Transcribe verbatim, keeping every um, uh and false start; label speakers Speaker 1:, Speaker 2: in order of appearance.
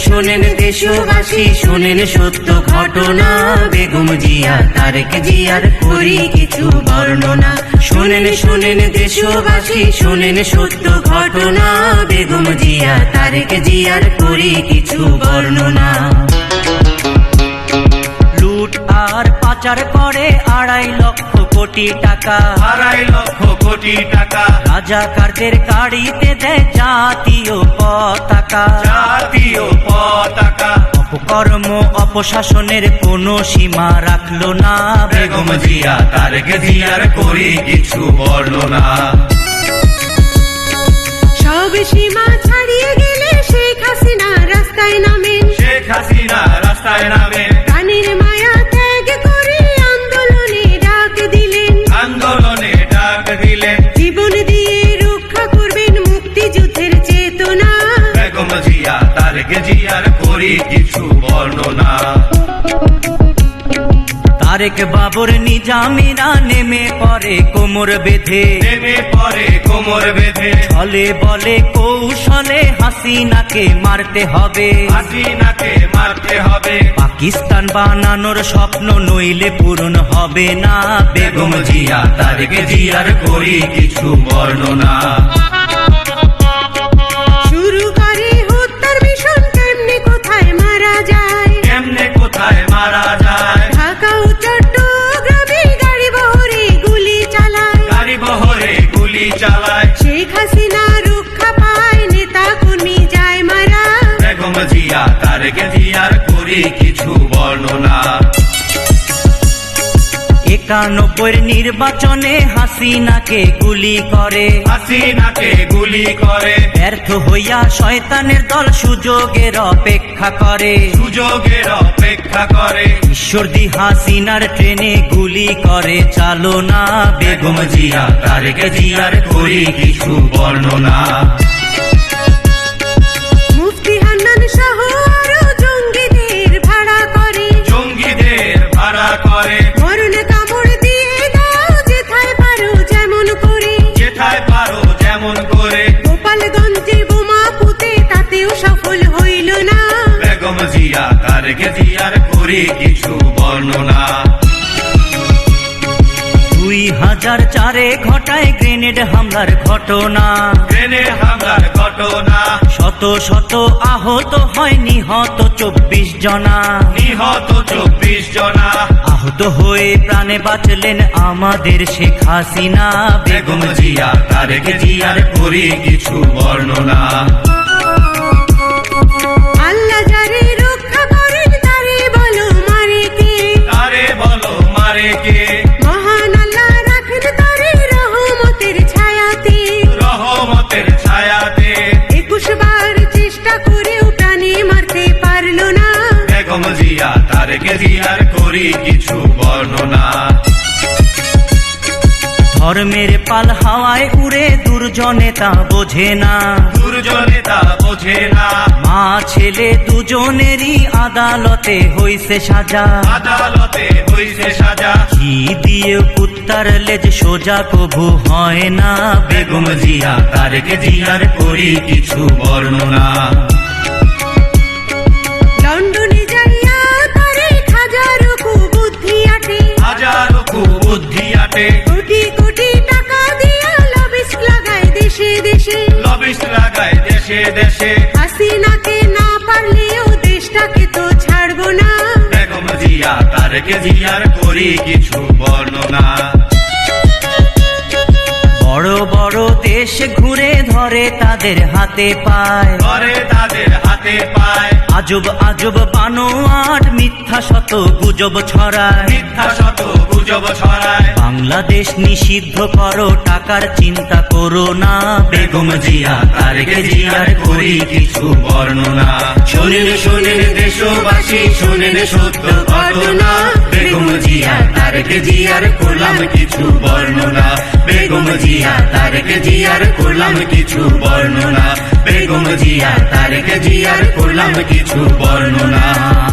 Speaker 1: শোনেন দেশবাসী, শোনেন সত্য ঘটনা, বেগম জিয়া তারেক জিয়ার করি কিছু বর্ণনা। শোনেন শোনেন দেশবাসী, শোনেন সত্য ঘটনা, বেগম জিয়া তারেক জিয়ার করি কিছু বর্ণনা। লুট আর পাচার করে আড়াই লক্ষ কোটি টাকা,
Speaker 2: আড়াই লক্ষ কোটি টাকা,
Speaker 1: রাজাকারদের গাড়িতে দেয় জাতীয় পতাকা।
Speaker 2: জাতীয় পতাকা,
Speaker 1: অপকর্ম অপশাসনের কোনো সীমা রাখলো না,
Speaker 2: বেগম জিয়া তারেক জিয়ার করি কিছু বর্ণনা।
Speaker 3: সব সীমা ছাড়িয়ে গেলে শেখ হাসিনা রাস্তায় নামেন,
Speaker 2: শেখ হাসিনা রাস্তায় নামে,
Speaker 3: প্রাণের মায়া ত্যাগ করে আন্দোলনে ডাক দিলেন,
Speaker 2: আন্দোলনে ডাক দিলেন,
Speaker 3: জীবন দিয়ে রক্ষা করবেন মুক্তিযুদ্ধের চেতনা,
Speaker 2: বেগম জিয়া তারেক জিয়ার করি কিছু বর্ণনা।
Speaker 1: তারেক বাবর নিজামীরা নেমে পড়ে কোমর বেঁধে,
Speaker 2: নেমে পরে কোমর বেঁধে,
Speaker 1: ছলে বলে কৌশলে হাসিনাকে মারতে হবে,
Speaker 2: হাসিনাকে মারতে হবে,
Speaker 1: পাকিস্তান বানানোর স্বপ্ন নইলে পূরণ হবে না,
Speaker 2: বেগম জিয়া তারেক জিয়ার করি কিছু বর্ণনা।
Speaker 3: শুরু করে হত্যার মিশন, কেমনে কোথায় মারা যায়,
Speaker 2: কেমনে কোথায় মারা যায়,
Speaker 3: ঢাকা ও চট্টগ্রামে গাড়ি বহরে গুলি চালায়,
Speaker 2: গাড়ি বহরে গুলি চালায়,
Speaker 3: শেখ হাসিনা রক্ষা পায়, নেতা কর্মী যায় মারা,
Speaker 2: বেগম জিয়া তারেক জিয়ার করি কিছু বর্ণনা।
Speaker 1: একানব্বই নির্বাচনে হাসিনাকে গুলি করে,
Speaker 2: হাসিনাকে গুলি করে,
Speaker 1: ব্যর্থ হইয়া শয়তানের দল সুযোগের অপেক্ষা করে,
Speaker 2: সুযোগের অপেক্ষা করে,
Speaker 1: ঈশ্বরদী হাসিনার ট্রেনে গুলি করে চালনা,
Speaker 2: বেগম জিয়া তারেক জিয়ার করি কিছু বর্ণনা।
Speaker 3: মুফতি হান্নান সহ আরো জঙ্গিদের ভাড়া করে,
Speaker 2: জঙ্গিদের ভাড়া করে,
Speaker 3: মরণ কামড় দিয়ে দাও যেথায় পারো যেমন করে,
Speaker 2: যেথায় পারো যেমন করে,
Speaker 3: গোপালগঞ্জে বোমা পুঁতে তাতেও সফল হইল না,
Speaker 2: বেগম জিয়া তারেক জিয়ার করি কিছু বর্ণনা।
Speaker 1: দুই হাজার চারে ঘটায় গ্রেনেড হামলার ঘটনা,
Speaker 2: ট্রেনে হামলার ঘটনা,
Speaker 1: শত শত আহত হয়, নিহত চব্বিশ জনা,
Speaker 2: নিহত চব্বিশ জনা,
Speaker 1: আহত হয়ে প্রাণে বাঁচলেন আমাদের শেখ হাসিনা,
Speaker 2: বেগম জিয়া তারেক জিয়ার করি কিছু বর্ণনা।
Speaker 3: আল্লাহ যারে রক্ষা করেন তারে বলো মারে কে,
Speaker 2: তারে বলো মারে কে,
Speaker 3: মহান আল্লাহ রাখেন তারে রহমতের ছায়াতে,
Speaker 2: রহমতের ছায়াতে,
Speaker 3: একুশ বার চেষ্টা করেও প্রাণে মারতে পারলো না,
Speaker 2: বেগম জিয়া তারেক জিয়ার করি কিছু বর্ণনা।
Speaker 1: ধর্মের পাল হাওয়ায় উড়ে দুর্জনে তা বোঝে না,
Speaker 2: দুর্জনে তা বোঝে না,
Speaker 1: মা ছেলে দুজনেরই আদালতে হইছে সাজা,
Speaker 2: আদালতে হইছে সাজা,
Speaker 1: ঘি দিয়ে কুত্তার লেজ সোজা কভু হয় না,
Speaker 2: বেগম জিয়া তারেক জিয়ার করি কিছু বর্ণনা।
Speaker 3: লন্ডনে যাইয়া তারে হাজারো কুবুদ্ধি আটে,
Speaker 2: হাজারো কুবুদ্ধি আটে,
Speaker 3: কোটি কোটি টাকা দিয়া লবিস লাগায় দেশে দেশে,
Speaker 2: লবিস্ট লাগায় দেশে দেশে,
Speaker 3: হাসিনাকে না পারলেও দেশটাকে তো ছাড়বো না,
Speaker 2: বেগম জিয়া তারেক জিয়ার করি কিছু বর্ণনা।
Speaker 1: বড় বড় দেশ ঘুরে ধরে তাদের হাতে পায়,
Speaker 2: করে তাদের হাতে পায়,
Speaker 1: আজব আজব বানোয়াট মিথ্যা শত গুজব ছড়ায়,
Speaker 2: মিথ্যা শত গুজব ছড়ায়,
Speaker 1: বাংলাদেশ নিষিদ্ধ করো টাকার চিন্তা করো না,
Speaker 2: বেগম জিয়া তারেক জিয়ার করি কিছু বর্ণনা। শোনেন শোনেন দেশবাসী, শোনেন সত্য ঘটনা, বেগম জিয়া তারেক জিয়ার করলাম কিছু বর্ণনা, বেগম জিয়া তারেক জিয়ার করলাম কিছু বর্ণনা, বেগম জিয়া তারেক জিয়ার করলাম কিছু বর্ণনা।